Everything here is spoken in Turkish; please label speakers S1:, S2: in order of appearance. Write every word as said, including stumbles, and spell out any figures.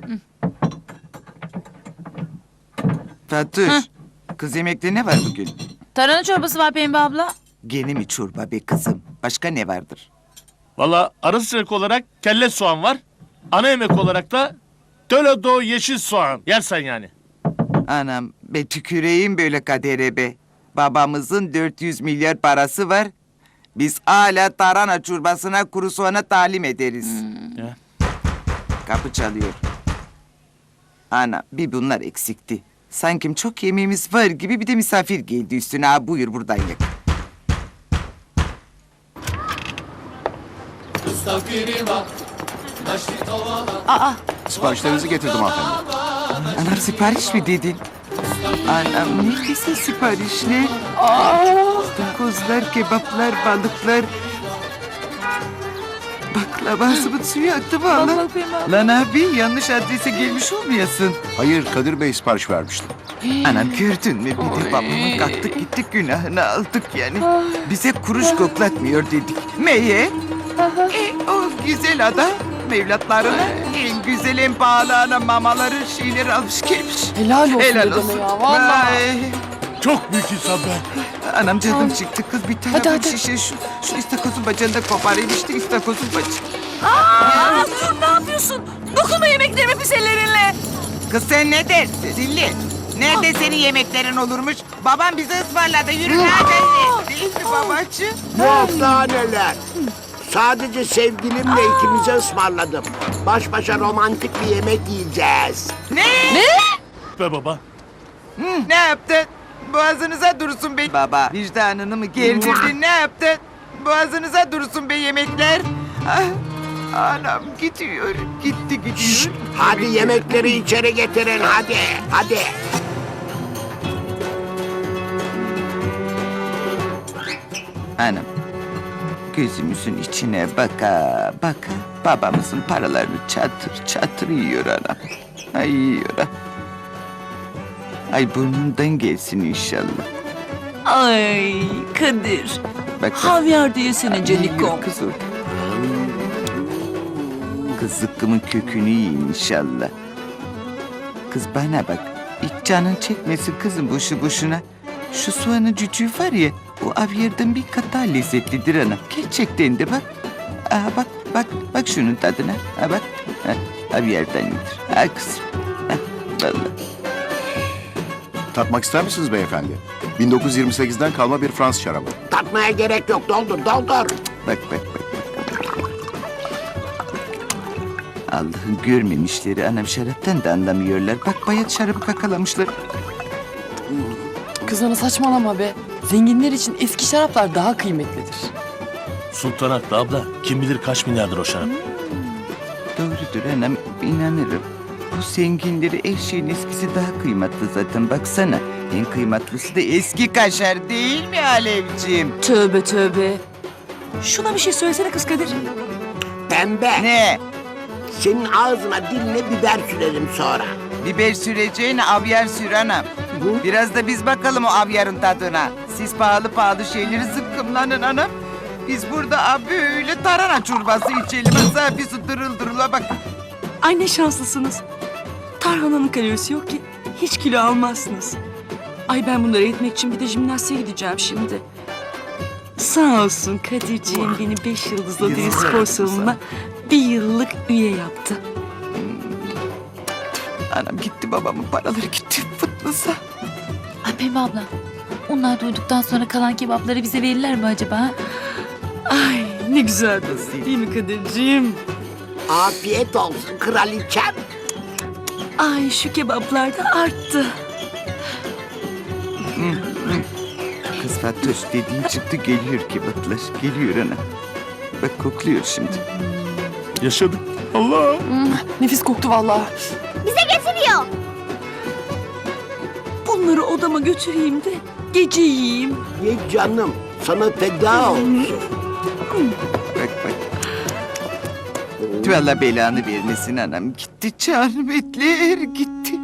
S1: Fatoş, kız yemekte ne var bugün?
S2: Tarhana çorbası var Pembe abla.
S1: Gene mi çorba be kızım? Başka ne vardır?
S3: Valla ara sıcak olarak kelle soğan var. Ana yemek olarak da Töledo yeşil soğan. Yersen yani.
S1: Anam, be tüküreyim böyle kadere be. Babamızın dört yüz milyar parası var. Biz hala tarhana çorbasına kuru soğana talim ederiz.
S3: Ya.
S1: Kapı çalıyor. Ana, bir bunlar eksikti. Sanki çok yemeğimiz var gibi bir de misafir geldi üstüne. Ha, buyur buradan yak.
S2: Aa,
S4: Siparişlerinizi getirdim hanımefendi.
S1: Anam sipariş mi dedin? Anam ne güzel siparişler. Kozlar, kebaplar, balıklar. Baklava sıvı suyu aktı valla.
S2: Bak bak Pembe abla.
S1: Lan abi yanlış adrese gelmiş olmayasın.
S4: Hayır, Kadir Bey sipariş vermişti.
S1: Anam gördün mü bir de babamın kalktık gittik günahını aldık yani. Bize kuruş koklatmıyor dedik. Meye? E, o güzel adam evlatlarına en güzel en pahalı ana mamaları şeyleri almış gelmiş.
S5: Helal olsun
S1: Helal
S5: dedeme
S1: olsun.
S5: ya vallahi.
S1: Ay,
S3: Çok büyük insan be.
S1: anam canım çıktı kız bir tane
S5: Hadi,
S1: bu
S5: hadi.
S1: şişe şu, şu istakozun bacağını da koparayım işte istakozun bacağı.
S2: Aa, dur ne yapıyorsun? Dokunma yemeklerime pis ellerinle.
S1: Kız sen ne dersin Zilli? Nerede senin yemeklerin olurmuş? Babam bize ısmarladı yürü nerede? Değil mi babacığım?
S6: Yok daha neler. Sadece sevgilimle ikimize ısmarladım. Baş başa romantik bir yemek yiyeceğiz.
S1: Ne?
S3: Be baba.
S1: Ne yaptın? Boğazınıza dursun be. Baba vicdanını mı gerdirdin ne yaptın? Boğazınıza dursun be yemekler. Ah, anam gidiyor. Gitti gidiyor.
S6: Hadi yemekleri içeri getirin hadi. Hadi.
S1: Anam gözümüzün içine baka baka babamızın paralarını çatır çatır yiyor anam. Ay yiyor ha. Ay burnundan gelsin inşallah.
S2: Ay Kadir.
S1: Bak, bak.
S2: Havyar da yesene canikom.
S1: Yiyor kız orada. Kız zıkkımın kökünü yiyin inşallah. Kız bana bak. Hiç canın çekmesin kızım boşu boşuna. Şu soğanın cücüğü var ya, o avyardan bir kat daha lezzetlidir ana. Gerçekten de bak. Aha bak, bak, bak şunun tadına. Ha bak, ha, avyardan iyidir. Ha kızım. Ha, vallahi.
S4: Tatmak ister misiniz beyefendi? bin dokuz yüz yirmi sekizden kalma bir Fransız şarabı.
S6: Tatmaya gerek yok. Doldur doldur.
S1: Bak, bak, bak. Allah'ın görmemişleri anam şaraptan da anlamıyorlar. Bak bayat şarabı kakalamışlar.
S5: Kız ana saçmalama be. Zenginler için eski şaraplar daha kıymetlidir.
S3: Sultan haklı abla. Kim bilir kaç milyardır o şarap.
S1: Doğrudur anam inanırım. Bu zenginleri her şeyin eskisi daha kıymetli zaten baksana. En kıymetlisi de eski kaşar değil mi Alevciğim?
S2: Tövbe tövbe. Şuna bir şey söylesene kız Kadir.
S6: Pembe.
S1: Ne?
S6: Senin ağzına diline biber sürerim sonra.
S1: Biber süreceğine avyar sür anam. Biraz da biz bakalım o avyarın tadına. Siz pahalı pahalı şeyleri zıkkımlanın anam. Biz burada abi böyle tarhana çorbası içelim. Hapisi dırıl dırıla bak.
S7: Ay ne şanslısınız. Tarhananın kalorisi yok ki hiç kilo almazsınız. Ay ben bunları etmek için bir de jimnastiğe gideceğim şimdi. Sağ olsun Kadirciğim beni beş yıldızlı deniz spor salonuna bir yıllık üye yaptı.
S1: Anam gitti babamın paraları gitti fıtlısa.
S2: Ay Pembe abla. Onlar duyduktan sonra kalan kebapları bize verirler mi acaba? ha?
S7: Ay ne güzel değil mi Kadirciğim?
S6: Afiyet olsun kraliçem.
S7: Ay şu kebaplar da arttı.
S1: Kız Fatoş dediğin çıktı geliyor kebaplar. Geliyor ana. Bak kokluyor şimdi.
S3: Yaşadık. Allah.
S5: Nefis koktu vallahi.
S7: Bunları odama götüreyim de gece yiyeyim.
S6: Ye canım. Sana feda olsun.
S1: Bak bak. Vallahi belanı vermesin anam. Gitti canım etler gitti.